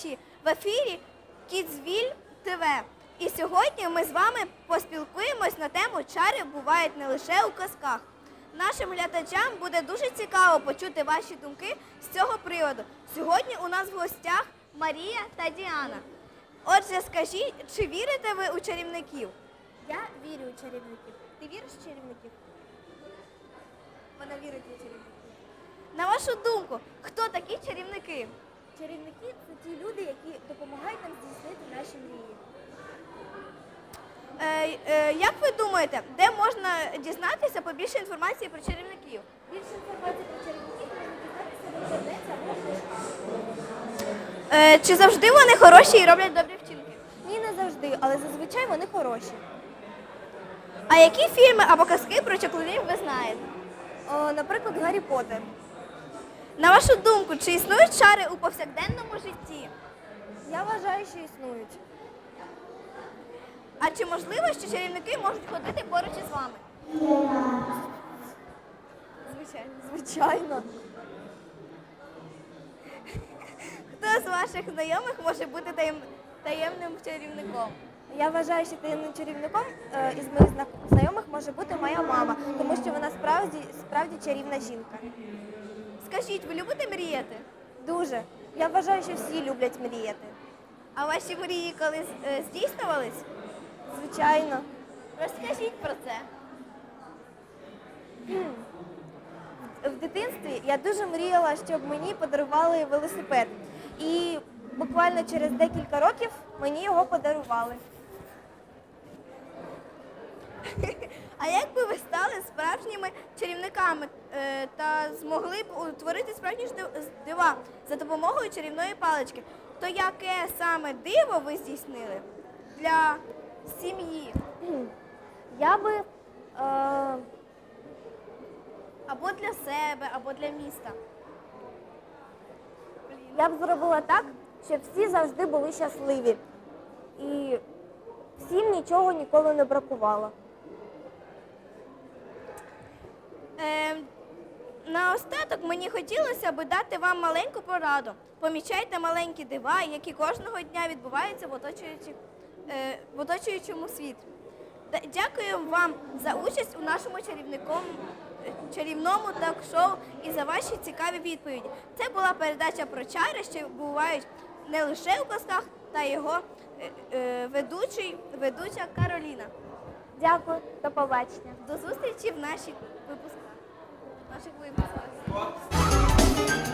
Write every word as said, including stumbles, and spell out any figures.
глядачі! В ефірі Кідзвіль ТВ. І сьогодні ми з вами поспілкуємось на тему «Чари бувають не лише у казках». Нашим глядачам буде дуже цікаво почути ваші думки з цього приводу. Сьогодні у нас в гостях Марія та Діана. Отже, скажіть, чи вірите ви у чарівників? Я вірю у чарівників. Ти віриш у чарівників? Вона вірить у чарівників. На вашу думку, хто такі чарівники? Чарівники – це ті люди, які допомагають нам здійснити наші мрії. Е, е, як ви думаєте, де можна дізнатися побільше інформації про чарівників? Більше інформації про чарівників можна дізнатися в інтернеті або в книжках. Е, чи завжди вони хороші і роблять добрі вчинки? Ні, не завжди, але зазвичай вони хороші. А які фільми або казки про чаклунів ви знаєте? О, наприклад, Гаррі Поттер. На вашу думку, чи існують чари у повсякденному житті? Я вважаю, що існують. А чи можливо, що чарівники можуть ходити поруч із вами? Звичайно. Звичайно. Хто з ваших знайомих може бути таєм... таємним чарівником? Я вважаю, що таємним чарівником е, із моїх зна- знайомих може бути моя мама, тому що вона справді, справді чарівна жінка. Скажіть, ви любите мріяти? Дуже. Я вважаю, що всі люблять мріяти. А ваші мрії колись е, здійснювались? Звичайно. Розкажіть про це. В дитинстві я дуже мріяла, щоб мені подарували велосипед. І буквально через декілька років мені його подарували. А як би ви стали справжніми чарівниками е, та змогли б утворити справжні ж див- дива за допомогою чарівної палички, то яке саме диво ви здійснили для сім'ї Я би е, або для себе, або для міста? я б зробила так, щоб всі завжди були щасливі. І всім нічого ніколи не бракувало. Е, наостаток мені хотілося б дати вам маленьку пораду. Помічайте маленькі дива, які кожного дня відбуваються в, оточуючи, е, в оточуючому світі. Та- Дякую вам за участь у нашому чарівником, е, чарівному ток-шоу і за ваші цікаві відповіді. Це була передача про чари, що бувають не лише у казках, та його е, е, ведучий, ведуча Кароліна. Дякую, до побачення. До зустрічі в наших випусках. Наших випусках.